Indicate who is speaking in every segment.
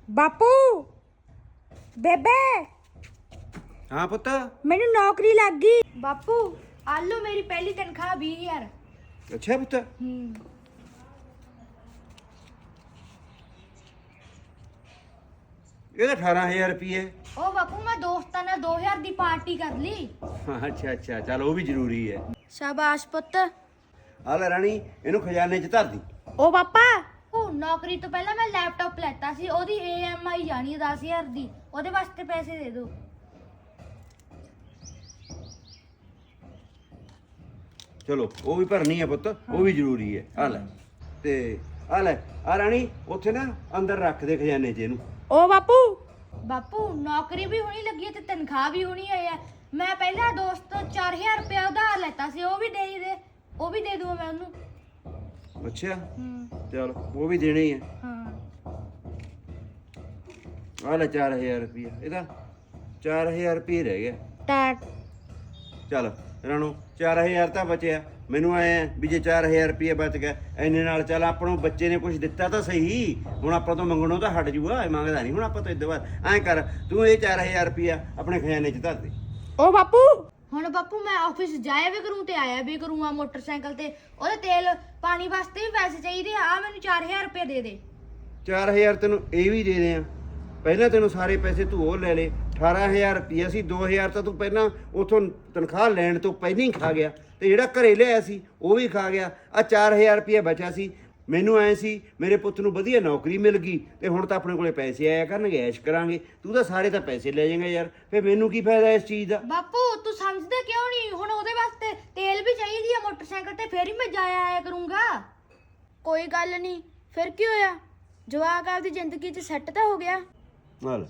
Speaker 1: ਬਾਪੂ ਬੇਬੇ
Speaker 2: ਹਾਂ ਪੁੱਤ।
Speaker 1: ਮੈਨੂੰ ਨੌਕਰੀ ਲੱਗ ਗਈ। ਬਾਪੂ ਆ ਲਓ ਮੇਰੀ ਪਹਿਲੀ ਤਨਖਾਹ 20000।
Speaker 2: ਅੱਛਾ ਪੁੱਤ। ਇਹਦਾ 18000 ਰੁਪਏ।
Speaker 1: ਉਹ ਬਾਪੂ ਮੈਂ ਦੋਸਤਾਂ ਨਾਲ 2000 ਦੀ ਪਾਰਟੀ ਕਰ ਲਈ।
Speaker 2: ਅੱਛਾ ਅੱਛਾ, ਚੱਲ ਉਹ ਵੀ ਜ਼ਰੂਰੀ ਹੈ।
Speaker 1: ਸ਼ਾਬਾਸ਼ ਪੁੱਤ।
Speaker 2: ਆ ਲੈ ਰਾਣੀ, ਇਹਨੂੰ ਖਜ਼ਾਨੇ 'ਚ ਧਰ ਦੀ।
Speaker 1: ਉਹ ਪਾਪਾ ਉਹ ਨੌਕਰੀ ਤੋਂ ਪਹਿਲਾਂ ਮੈਂ ਲੈਪਟਾਪ ਲੈਤਾ ਸੀ, ਉਹਦੀ EMI ਜਾਣੀ ਹੈ 10000 ਦੀ। ਉਹਦੇ ਵਾਸਤੇ ਪੈਸੇ ਦੇ ਦਿਓ।
Speaker 2: ਚਲੋ ਉਹ ਵੀ ਭਰਨੀ ਹੈ ਪੁੱਤ, ਉਹ ਵੀ ਜ਼ਰੂਰੀ ਹੈ। ਆ ਲੈ ਤੇ ਆ ਲੈ ਆ ਰਾਣੀ, ਉੱਥੇ ਨਾ ਅੰਦਰ ਰੱਖ ਦੇ ਖਜ਼ਾਨੇ 'ਚ ਇਹਨੂੰ।
Speaker 1: ਉਹ ਬਾਪੂ ਨੌਕਰੀ ਵੀ ਹੋਣੀ ਲੱਗੀ ਹੈ ਤੇ ਤਨਖਾਹ ਵੀ ਹੋਣੀ ਹੈ। ਮੈਂ ਪਹਿਲਾਂ ਦੋਸਤ ਤੋਂ 4000 ਰੁਪਇਆ ਉਧਾਰ ਲੈਤਾ ਸੀ, ਉਹ ਵੀ ਦੇ ਦੂੰਗਾ ਮੈਂ ਉਹਨੂੰ।
Speaker 2: ਅੱਛਾ ਚਲ, ਉਹ ਵੀ ਦੇਣੇ ਹੀ ਹੈ। ਆ ਲੈ 4000 ਰੁਪਇਆ, ਇਹਦਾ 4000 ਰੁਪਏ ਰਹਿ ਗਿਆ।
Speaker 1: ਟੈਟ
Speaker 2: ਚੱਲ ਰਾਣੋ, 4000 ਤਾਂ ਬਚਿਆ। ਮੈਨੂੰ ਆਏ ਵੀ ਜੇ 4000 ਰੁਪਏ ਬਚ ਗਿਆ, ਇੰਨੇ ਨਾਲ ਚੱਲ ਆਪਣੋਂ ਬੱਚੇ ਨੇ ਕੁਝ ਦਿੱਤਾ ਤਾਂ ਸਹੀ। ਹੁਣ ਆਪਾਂ ਤੋਂ ਮੰਗਣੋਂ ਤਾਂ ਹਟ ਜੂਗਾ, ਮੰਗਦਾ ਨਹੀਂ ਹੁਣ ਆਪਾਂ ਤੋਂ। ਇਦੋਂ ਬਾਅਦ ਐਂ ਕਰ, ਤੂੰ ਇਹ 4000 ਰੁਪਇਆ ਆਪਣੇ ਖਜ਼ਾਨੇ 'ਚ ਧਰ ਦੇ।
Speaker 1: ਉਹ ਬਾਪੂ ਹੁਣ ਬਾਪੂ ਮੈਂ ਆਫਿਸ ਜਾਇਆ ਵੀ ਕਰੂੰ ਤੇ ਆਇਆ ਵੀ ਕਰੂੰ ਆ ਮੋਟਰਸਾਈਕਲ ਤੇ। ਉਹਦੇ ਤੇਲ ਪਾਣੀ ਵਾਸਤੇ ਵੀ ਪੈਸੇ ਚਾਹੀਦੇ ਆ। ਮੈਨੂੰ 4000 ਰੁਪਏ ਦੇ ਦੇ।
Speaker 2: 4000 ਤੈਨੂੰ ਇਹ ਵੀ ਦੇ ਦੇ ਆ। ਪਹਿਲਾਂ ਤੈਨੂੰ ਸਾਰੇ ਪੈਸੇ ਤੂੰ ਉਹ ਲੈ ਲੈ। 18000 ਰੁਪਇਆ ਸੀ, 2000 ਤਾਂ ਤੂੰ ਪਹਿਲਾਂ ਉਥੋਂ ਤਨਖਾਹ ਲੈਣ ਤੋਂ ਪਹਿਲਾਂ ਹੀ ਖਾ ਗਿਆ, ਤੇ ਜਿਹੜਾ ਘਰੇ ਲਿਆਇਆ ਸੀ ਉਹ ਵੀ ਖਾ ਗਿਆ। ਆ 4000 ਰੁਪਇਆ ਬਚਿਆ ਸੀ। ਮੈਨੂੰ ਐ ਸੀ ਮੇਰੇ ਪੁੱਤ ਨੂੰ ਵਧੀਆ ਨੌਕਰੀ ਮਿਲ ਗਈ ਤੇ ਹੁਣ ਤਾਂ ਆਪਣੇ ਕੋਲੇ ਪੈਸੇ ਆਇਆ ਕਰਨਗੇ, ਐਸ਼ ਕਰਾਂਗੇ। ਤੂੰ ਤਾਂ ਸਾਰੇ ਤਾਂ ਪੈਸੇ ਲੈ ਜਾਏਂਗਾ ਯਾਰ, ਫਿਰ ਮੈਨੂੰ ਕੀ ਫਾਇਦਾ ਇਸ ਚੀਜ਼ ਦਾ।
Speaker 1: ਬਾਪੂ ਤੂੰ ਸਮਝਦਾ ਕਿਉਂ ਨਹੀਂ? ਹੁਣ ਉਹਦੇ ਵਾਸਤੇ ਤੇਲ ਵੀ ਚਾਹੀਦੀ ਆ ਮੋਟਰਸਾਈਕਲ ਤੇ, ਫੇਰ ਹੀ ਮੈਂ ਜਾਇਆ ਆਇਆ ਕਰੂੰਗਾ। ਕੋਈ ਗੱਲ ਨਹੀਂ, ਫਿਰ ਕੀ ਹੋਇਆ? ਜਵਾਕ ਆਪਦੀ ਜ਼ਿੰਦਗੀ 'ਚ ਸੈੱਟ ਤਾਂ ਹੋ ਗਿਆ।
Speaker 2: ਨਾਲ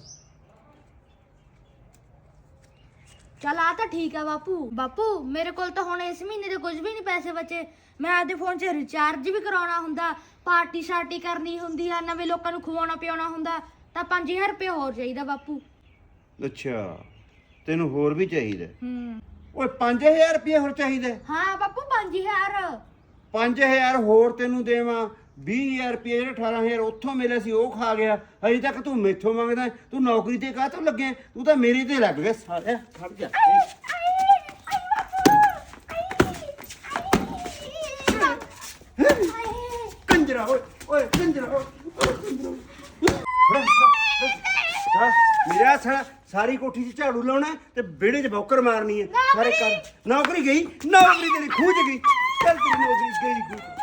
Speaker 1: ਚੱਲ ਆ ਤਾਂ ਠੀਕ ਆ ਬਾਪੂ ਮੇਰੇ ਕੋਲ ਤਾਂ ਹੁਣ ਇਸ ਮਹੀਨੇ ਦੇ ਕੁਝ ਵੀ ਨਹੀਂ ਪੈਸੇ ਬਚੇ। ਮੈਂ ਆਪਦੇ ਫੋਨ 'ਚ ਰਿਚਾਰਜ ਵੀ ਕਰਾਉਣਾ ਹੁੰਦਾ, ਪਾਰਟੀ ਸ਼ਾਰਟੀ ਕਰਨੀ ਹੁੰਦੀ ਆ, ਨਵੇਂ ਲੋਕਾਂ ਨੂੰ ਖਵਾਉਣਾ ਪਿਆਉਣਾ ਹੁੰਦਾ, ਤਾਂ 5000 ਰੁਪਏ ਹੋਰ ਚਾਹੀਦਾ ਬਾਪੂ।
Speaker 2: ਅੱਛਾ, ਤੈਨੂੰ ਹੋਰ ਵੀ ਚਾਹੀਦਾ? ਓਏ 5000 ਰੁਪਏ ਹੋਰ ਚਾਹੀਦਾ?
Speaker 1: ਹਾਂ ਬਾਪੂ 5000।
Speaker 2: 5000 ਹੋਰ ਤੈਨੂੰ ਦੇਵਾਂ? 20000 ਰੁਪਏ ਜਿਹੜਾ 18000 ਉੱਥੋਂ ਮਿਲਿਆ ਸੀ ਉਹ ਖਾ ਗਿਆ। ਹਜੇ ਤੱਕ ਤੂੰ ਮੈਥੋਂ ਮੰਗਦਾ। ਤੂੰ ਨੌਕਰੀ ਤੇ ਕਾਹਤੋਂ ਲੱਗਿਆ? ਤੂੰ ਤਾਂ ਮੇਰੇ ਤੇ ਲੱਗ ਗਿਆ ਸਾਲਿਆ। ਖੜ ਜਾ ਕੰਜਰਾ, ਓਏ ਕੰਜਰਾ, ਮੇਰਾ ਸਾਰੀ ਕੋਠੀ 'ਚ ਝਾੜੂ ਲਾਉਣਾ ਤੇ ਵਿਹੜੇ 'ਚ ਬੌਕਰ ਮਾਰਨੀ ਹੈ। ਸਾਰੇ ਕਰ ਨੌਕਰੀ ਗਈ, ਨੌਕਰੀ ਤੇਰੀ ਖੂਹ 'ਚ ਗਈ। ਚੱਲ ਤੇਰੀ ਨੌਕਰੀ ਗਈ ਖੂਹ।